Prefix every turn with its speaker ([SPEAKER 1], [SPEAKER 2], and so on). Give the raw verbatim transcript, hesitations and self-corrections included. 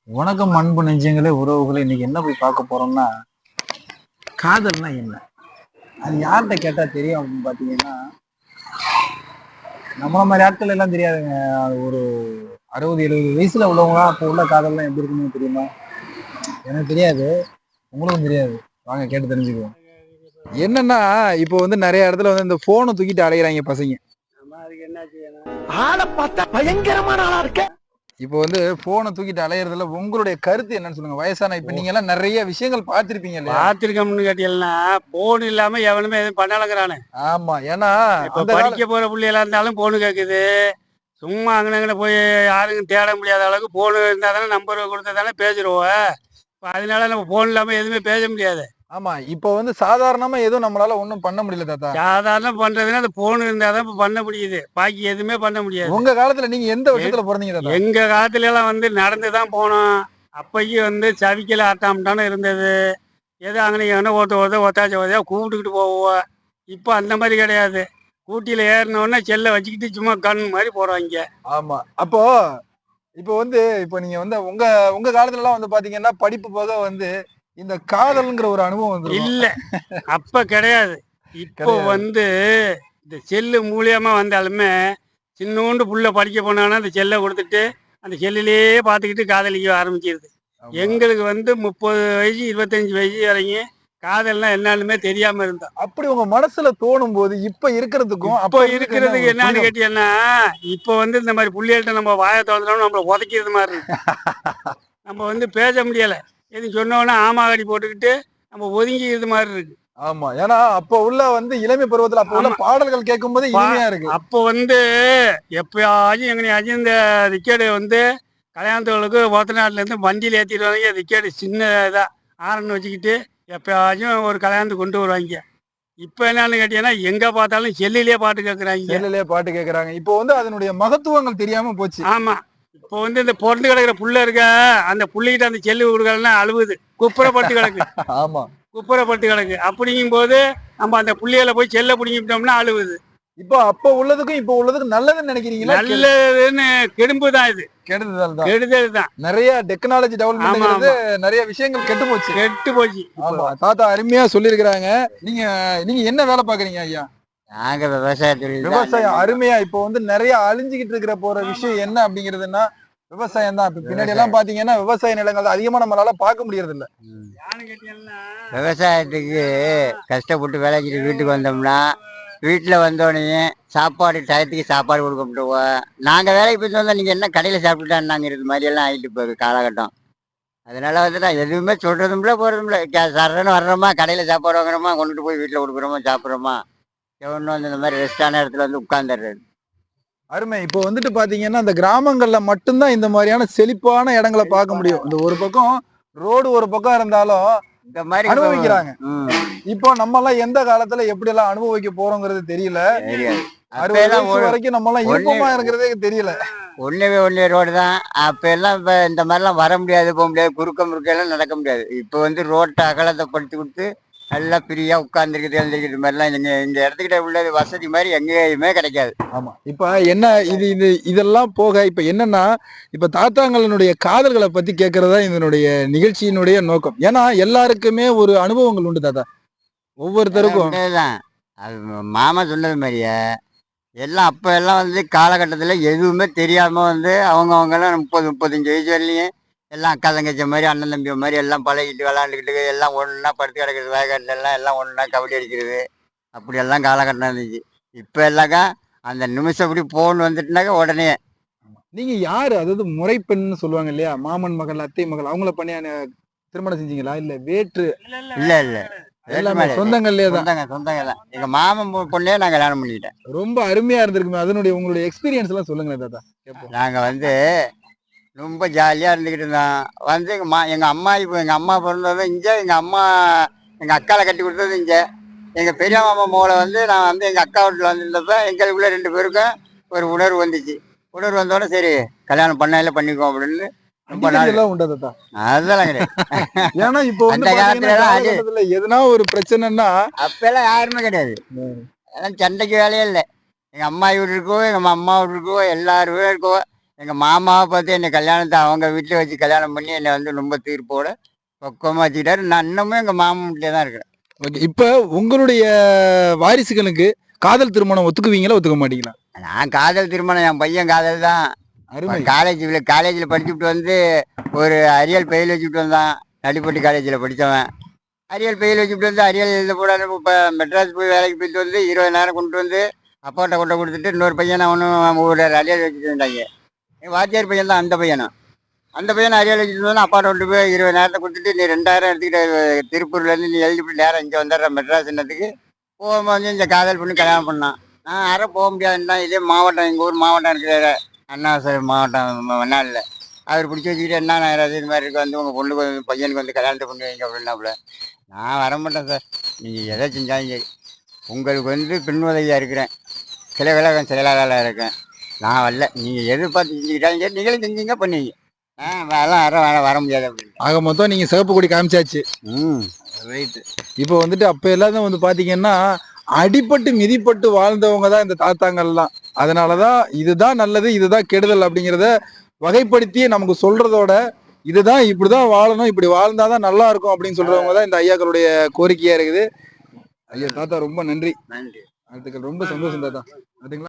[SPEAKER 1] வணக்கம் அன்பு நெஞ்சங்களே, உறவுகளே. இன்னைக்கு என்ன போய் பார்க்க போறோம்னா, காதல்னா என்ன? அது யார்கிட்ட கேட்டா தெரியும் அப்படின்னு பார்த்தீங்கன்னா, நம்மள மாதிரி ஆட்கள் எல்லாம் தெரியாதுங்க. அது ஒரு அறுபது எழுபது வயசுல உள்ளவங்களாம் அப்போ உள்ள காதல்லாம் எப்படி இருக்குன்னு தெரியுமா? எனக்கு தெரியாது, உங்களுக்கும் தெரியாது. வாங்க கேட்டு தெரிஞ்சுக்குவோம். என்னன்னா, இப்போ வந்து நிறைய இடத்துல வந்து இந்த போனை தூக்கிட்டு அலையிறாங்க பசங்க.
[SPEAKER 2] ஆளை பார்த்தா பயங்கரமான ஆளா இருக்க.
[SPEAKER 1] இப்போ வந்து போனை தூக்கிட்டு அலையறதுல உங்களுடைய கருத்து என்னன்னு சொல்லுங்க. வயசான இப்ப நீங்க எல்லாம் நிறைய விஷயங்கள் பார்த்திருப்பீங்க இல்லையா?
[SPEAKER 2] பாத்திருக்கோம்னு கேட்டீங்கன்னா போன் இல்லாம எவனுமே எதுவும் பண்ணலங்கிறானு.
[SPEAKER 1] ஆமா. ஏன்னா
[SPEAKER 2] இப்ப
[SPEAKER 1] அந்த கால
[SPEAKER 2] படிக்க போற பிள்ளைகளா இருந்தாலும் போனு கேக்குது. சும்மா அங்கன போய் யாருக்கும் தேட முடியாத அளவுக்கு போனு இருந்தா தானே நம்பர் கொடுத்தா தானே பேசிடுவோம். இப்ப அதனால நம்ம போன் இல்லாம எதுவுமே பேச முடியாது.
[SPEAKER 1] ஆமா. இப்போ வந்து சாதாரணமா எதுவும் நம்மளால ஒண்ணும் பண்ண முடியல தாத்தா.
[SPEAKER 2] சாதாரண பண்றதுன்னா அந்த போன் இருந்தா தான் இப்ப பண்ண முடியுது. பாக்கி எதுவுமே பண்ண முடியாது.
[SPEAKER 1] உங்க காலத்துல நீங்க எந்த
[SPEAKER 2] எ-
[SPEAKER 1] வருஷத்துல பொறந்தீங்க தாத்தா?
[SPEAKER 2] எங்க காலத்துல எல்லாம் வந்து நடந்து தான் போனோம். அப்பைக்கு வந்து சவிக்கல ஆட்டாமட்டான இருந்தது. ஏதோ அங்கனைக்கு எவனோ ஒருத்த ஒருத்த ஒத்தாச்ச ஒதையா கூப்பிட்டுக்கிட்டு போவோம். இப்போ அந்த மாதிரி கிடையாது. ஊட்டியில் ஏறினோடனே செல்லை வச்சுக்கிட்டு சும்மா கண் மாதிரி போகிறாங்க.
[SPEAKER 1] ஆமா. அப்போ இப்போ வந்து இப்போ நீங்க வந்து உங்க உங்க காலத்துல எல்லாம் வந்து பாத்தீங்கன்னா, படிப்பு போக வந்து இந்த காதல்ங்கிற ஒரு அனுபவம் வந்திருக்கும்.
[SPEAKER 2] இல்லை, அப்போ கிடையாது. இப்போ
[SPEAKER 1] கிடையாது.
[SPEAKER 2] வந்து இந்த செல்லு மூலியமா வந்தாலுமே சின்னோண்டு புள்ள படிக்க போனான்னா அந்த செல்லை கொடுத்துட்டு அந்த செல்லிலேயே பார்த்துக்கிட்டு காதலிக்க ஆரம்பிச்சிருது.
[SPEAKER 1] ஆமா.
[SPEAKER 2] எங்களுக்கு வந்து முப்பது வயசு இருபத்தஞ்சி வயசு வரைக்கும் காதல்னா என்னன்னுமே தெரியாம இருந்தோம்.
[SPEAKER 1] அப்படி உங்க மனசுல தோணும் போது இப்ப இருக்கிறதுக்கும்
[SPEAKER 2] இப்போ
[SPEAKER 1] அப்ப இருந்ததுக்கு என்ன
[SPEAKER 2] இருக்கிறதுக்கு
[SPEAKER 1] ஒரு
[SPEAKER 2] என்னன்னு
[SPEAKER 1] புரிதல்?
[SPEAKER 2] கேட்டீங்கன்னா, இப்போ வந்து இந்த மாதிரி புள்ளிகள்ட்ட நம்ம வாயை திறந்தோம்னா நம்மள உதைக்கிறது மாதிரி இருக்கு. நம்ம வந்து பேச முடியல. எதுவும் சொன்னோன்னா ஆமாகடி போட்டுக்கிட்டு நம்ம ஒதுங்கிக்கிறது மாதிரி இருக்கு.
[SPEAKER 1] ஆமா. ஏன்னா அப்ப உள்ள வந்து இளமை பருவத்துல அப்ப உள்ள
[SPEAKER 2] ஆமா.
[SPEAKER 1] பாடல்கள் கேட்கும்போது
[SPEAKER 2] பா
[SPEAKER 1] இனிமையா இருக்கு.
[SPEAKER 2] அப்போ வந்து எப்பயாச்சும் எங்கனையாச்சும் இந்த ரிக்கார்டு வந்து கல்யாணத்துகளுக்கு ஒத்தநாட்டுலேருந்து வண்டியில் ஏற்றிட்டு வருவாங்க. ரிக்கார்டு சின்ன இதா ஹாரன் வச்சுக்கிட்டு எப்பயாச்சும் ஒரு கல்யாணத்துக்கு கொண்டு வருவாங்க. இப்போ என்னன்னு கேட்டீங்கன்னா, எங்கே பார்த்தாலும் செல்லுலேயே பாட்டு கேட்குறாங்க.
[SPEAKER 1] செல்லுலயே பாட்டு கேக்குறாங்க. இப்போ வந்து அதனுடைய மகத்துவங்கள் தெரியாம போச்சு.
[SPEAKER 2] ஆமா. இப்போ வந்து இந்த பொறந்து கிடக்குற புள்ள இருக்க, அந்த புள்ளைகிட்ட அந்த செல்லு குடுக்கலன்னா அழுவுது. குப்புறப்பட்டு கிடக்கு.
[SPEAKER 1] ஆமா.
[SPEAKER 2] குப்புறப்பட்டு கிடக்கு. அப்படிங்கும்போது நம்ம அந்த புள்ளைகள போய் செல்ல புடுங்கிட்டோம்னா அழுவுது.
[SPEAKER 1] இப்போ அப்ப உள்ளதுக்கும் இப்போ உள்ளதுக்கும் நல்லதுன்னு நினைக்கிறீங்களா? கெ
[SPEAKER 2] நல்லதுன்னு கெடும்பு தான் இது.
[SPEAKER 1] கெடுதல் தான்.
[SPEAKER 2] கெடுதல் தான்.
[SPEAKER 1] நெறைய டெக்னாலஜி
[SPEAKER 2] ஆமா,
[SPEAKER 1] டெவலப்மென்ட்ங்கிறது
[SPEAKER 2] ஆமா.
[SPEAKER 1] நெறைய விஷயங்கள் கெட்டு போச்சு.
[SPEAKER 2] கெட்டு போச்சு. இப்போ
[SPEAKER 1] ஆமா. தாத்தா அருமையா சொல்லியிருக்கிறாங்க. நீங்க நீங்க என்ன வேலை பாக்குறீங்க ஐயா?
[SPEAKER 3] நாங்க விவசாய தொழில் தான்
[SPEAKER 1] விவசாயம்
[SPEAKER 3] அண்ணன்
[SPEAKER 1] அருமையா இப்போ வந்து நெறைய அழிஞ்சுகிட்டு இருக்கிற போற விஷயம் என்ன அப்படிங்கிறதுன்னா, விவசாயம் தான். இப்ப பின்னாடி எல்லாம்
[SPEAKER 3] விவசாயம்.
[SPEAKER 1] பாத்தீங்கன்னா, விவசாய நிலங்கள் அதிகமா நம்மளால பார்க்க முடியறது இல்ல.
[SPEAKER 3] ம்.
[SPEAKER 2] யானு கேட்டீங்கன்னா,
[SPEAKER 3] விவசாயத்துக்கு கஷ்டப்பட்டு வேலைக்கு வீட்டுக்கு வந்தோம்னா வீட்டில் வந்தோடனே சாப்பாடு டயத்துக்கு சாப்பாடு கொடுக்க முடியுவோம். நாங்கள் வேலைக்கு போயிட்டு வந்தால் நீங்கள் என்ன கடையில் சாப்பிட்டுட்டான்னாங்கிறது மாதிரி எல்லாம் ஆகிட்டு போகுது காலகட்டம். அதனால வந்து நான் எதுவுமே சொல்கிறதும்ல போகிறதும்ல சரன்னு வர்றோமா கடையில் சாப்பாடு வாங்குறோமா கொண்டுட்டு போய் வீட்டில் கொடுக்குறோமா சாப்பிட்றோமா எவனும் வந்து இந்த மாதிரி ரெஸ்டான இடத்துல வந்து உட்காந்துடுறது.
[SPEAKER 1] அருமை. இப்போ வந்துட்டு பாத்தீங்கன்னா, அந்த கிராமங்கள்ல மட்டும்தான் இந்த மாதிரியான செழிப்பான இடங்கள பார்க்க முடியும். இந்த ஒரு பக்கம் ரோடு ஒரு பக்கம் இருந்தாலும்
[SPEAKER 3] இந்த மாதிரி இப்போ
[SPEAKER 1] அனுபவிக்கிறாங்க.
[SPEAKER 3] ம்
[SPEAKER 1] இப்போ நம்மலாம் எந்த காலத்துல எப்படி எல்லாம் அனுபவிக்க போறோங்கிறது தெரியல.
[SPEAKER 3] தெரியாது.
[SPEAKER 1] அறுபது
[SPEAKER 3] அப்பெல்லாம்
[SPEAKER 1] வயசு
[SPEAKER 3] ஒரு
[SPEAKER 1] வரைக்கும் நம்மலாம்
[SPEAKER 3] ஒன்னே
[SPEAKER 1] இருப்போமா இருக்கிறதே தெரியல.
[SPEAKER 3] ஒன்னே ஒன்னே ரோடு தான். அப்ப எல்லாம் இப்ப இந்த மாதிரிலாம் வர முடியாது, போக முடியாது, குறுக்க முறுக்க எல்லாம் நடக்க முடியாது. இப்ப வந்து ரோட்டை அகலத்தை படுத்தி கொடுத்து நல்லா ஃப்ரீயா உட்கார்ந்துருக்குது எழுந்திருக்கிறது மாதிரிலாம் இந்த இந்த இடத்துக்கிட்ட உள்ளது வசதி மாதிரி எங்கேயுமே கிடைக்காது.
[SPEAKER 1] ஆமா. இப்ப என்ன இது இது இதெல்லாம் போக இப்ப என்னன்னா, இப்ப தாத்தாங்களுடைய காதல்களை பத்தி கேட்கறதா இதனுடைய நிகழ்ச்சியினுடைய நோக்கம். ஏன்னா எல்லாருக்குமே ஒரு அனுபவங்கள் உண்டு தாத்தா.
[SPEAKER 3] அதெல்லாம்
[SPEAKER 1] ஒவ்வொருத்தருக்கும்
[SPEAKER 3] உண்டதுதான். அது ம- மாமா சொன்னது மாதிரியே எல்லாம் அப்ப எல்லாம் வந்து காலகட்டத்துல எதுவுமே தெரியாம வந்து அவங்க அவங்க எல்லாம் முப்பது முப்பத்தஞ்சு வயசு வரலையும் எல்லாம் அக்கா தங்கச்சி மாதிரி அண்ணன் தம்பி மாதிரி எல்லாம் பழகிட்டு விளாண்டுக்கிட்டு எல்லாம் ஒண்ணா படுத்து கிடக்குறது வயக்காட்டுல எல்லாம் எல்லாம் ஒண்ணா கபடி அடிக்கிறது அப்படி எல்லாம் காலகட்டம் இருந்துச்சு. இப்ப எல்லாக்கா அந்த நிமிஷம் இப்படி போன் வந்துட்டுனாக்கா உடனே
[SPEAKER 1] நீங்க யாரு? அதாவது முறைப்பெண்ன்னு சொல்லுவாங்க இல்லையா? மாமன் மகள், அத்தை மகள் அவங்கள பண்ணி அன- திருமணம் செஞ்சீங்களா? இல்ல வேற்று
[SPEAKER 2] இல்ல இல்ல
[SPEAKER 3] இல்ல
[SPEAKER 2] வேற
[SPEAKER 3] இல்ல
[SPEAKER 2] வேற.
[SPEAKER 1] எல்லாமே
[SPEAKER 3] வேற்றுமலை
[SPEAKER 1] சொந்தங்கள்லயே தான்.
[SPEAKER 3] சொந்தங்க சொந்தங்க தான் எங்க மாமன் பொ- பொண்ணே நான் கல்யாணம் பண்ணிக்கிட்டேன்.
[SPEAKER 1] ரொம்ப அருமையா இருந்திருக்குமே. அதனுடைய உங்களுடைய எக்ஸ்பீரியன்ஸ் எல்லாம் சொல்லுங்களேன் தாத்தா. கேட்போம்.
[SPEAKER 3] நாங்க வந்து ரொம்ப ஜாலியாக இருந்துக்கிட்டு இருந்தோம். வந்து எங்கள் மா எங்கள் அம்மா இப்போ எங்கள் அம்மா பிறந்தது இங்கே, எங்கள் அம்மா எங்கள் அக்காவை கட்டி கொடுத்தது இங்கே. எங்கள் பெரிய மாமா மோளை வந்து நான் வந்து எங்கள் அக்கா வீட்டில் வந்திருந்தப்ப எங்களுக்குள்ள ரெண்டு பேருக்கும் ஒரு உணர்வு வந்துச்சு. உணர்வு வந்தோடனே சரி கல்யாணம் பண்ணையில் பண்ணிக்குவோம் அப்படின்னு ரொம்ப
[SPEAKER 1] அடிக்கடி
[SPEAKER 3] நாள்.
[SPEAKER 1] எல்லாம் உண்டா தாத்தா?
[SPEAKER 3] அதெல்லாம் கிடையாது.
[SPEAKER 1] ஏன்னா இப்போ வந்து
[SPEAKER 3] அந்த
[SPEAKER 1] பாத்தீங்கன்னா
[SPEAKER 3] காலத்துல எல்லாம் அது
[SPEAKER 1] காலகட்டத்துல எதுனா ஒரு பிரச்சனைன்னா
[SPEAKER 3] அப்பெல்லாம் யாருமே கிடையாது. அதெல்லாம் சண்டைக்கு வேலையே இல்லை. எங்கள் அம்மா வீடு இருக்கோ எங்கள் அம்மா வீடு இருக்கோ எல்லாருமே இருக்கோ எங்க மாமாவை பார்த்து என்னை கல்யாணத்தை அவங்க வீட்டில் வச்சு கல்யாணம் பண்ணி என்னை வந்து ரொம்ப தீர்ப்போட பக்குவமாக வச்சுக்கிட்டாரு. நான் இன்னமும் எங்க மாமன் வீட்டிலே தான் இருக்கிறேன்.
[SPEAKER 1] ஓகே, இப்ப உங்களுடைய வாரிசுகளுக்கு காதல் திருமணம் ஒத்துக்குவீங்களா ஒத்துக்க மாட்டீங்களா?
[SPEAKER 3] நான் காதல் திருமணம், என் பையன் காதல் தான்.
[SPEAKER 1] அருமை.
[SPEAKER 3] காலேஜில் காலேஜில் படிச்சுட்டு வந்து ஒரு அரியல் பெயில் வச்சுட்டு வந்தான். நடிப்பட்டி காலேஜில் படித்தவன் அரியல் பெயில் வச்சுட்டு வந்து அரியல் எழுத போடாது. இப்போ மெட்ராஸ் போய் வேலைக்கு போயிட்டு வந்து இருபதாயிரம் கொண்டு வந்து அப்பாட்ட கொண்டை கொடுத்துட்டு இன்னொரு பையனை அவனும் ஒரு அரியல் வச்சுட்டு இருந்தாங்க. என் வாத்தியார் பையன் தான் அந்த பையனும். அந்த பையனை அரியல் வச்சுட்டு வந்து அப்பாட்ட கொண்டு போய் இருபதாயிரத்தை கொடுத்துட்டு நீ ரெண்டாயிரம் எடுத்துக்கிட்ட திருப்பூர்லேருந்து நீ எழுதிட்டு நேரம் இங்கே வந்துடுற மெட்ராஸ் என்னத்துக்கு போகும்போது வந்து இந்த காதல் பண்ணி கல்யாணம் பண்ணான். நான் யாரும் போக முடியாதுன்னா இதே மாவட்டம் எங்கள் ஊர் மாவட்டம் இருக்கிற அண்ணாசரி மாவட்டம் மண்ணாடில் அவர் பிடிச்சி வச்சுக்கிட்டு என்ன யாராவது இது மாதிரி இருக்கு வந்து உங்கள் பொண்ணுக்கு வந்து பையனுக்கு வந்து கல்யாணத்தை பண்ணி வைங்க அப்படின்னாப்புல நான் வர மாட்டேன் சார். நீங்கள் எதை செஞ்சாலும் சரி உங்களுக்கு வந்து பின்னுதவியாக இருக்கிறேன், சில வேலை செயலாளராக இருக்கேன், நான் வரல. நீங்கள் எதிர்பார்த்து செஞ்சுக்கிட்டாலும் சரி நீங்களும் செஞ்சீங்க பண்ணுவீங்க. ஆ அதெல்லாம் வர வர வர முடியாது அப்படின்னு.
[SPEAKER 1] ஆக மொத்தம் நீங்க சிவப்பு கொடி காமிச்சாச்சு.
[SPEAKER 3] ம்
[SPEAKER 1] ரைட்டு. இப்போ வந்துட்டு அப்ப எல்லாரும் வந்து பாத்தீங்கன்னா அடிபட்டு மிதிப்பட்டு வாழ்ந்தவங்க தான் இந்த தாத்தாங்கள்லாம். அதனாலதான் இதுதான் நல்லது இதுதான் கெடுதல் அப்படிங்கிறத வகைப்படுத்தி நமக்கு சொல்றதோட இதுதான் இப்படிதான் வாழணும் இப்படி வாழ்ந்தாதான் நல்லா இருக்கும் அப்படின்னு சொல்றவங்க தான் இந்த ஐயாக்களுடைய கோரிக்கையா இருக்குது. ஐயா தாத்தா ரொம்ப நன்றி.
[SPEAKER 3] நன்றி.
[SPEAKER 1] அதுக்கு ரொம்ப சந்தோஷம் தாத்தா. அதுங்களா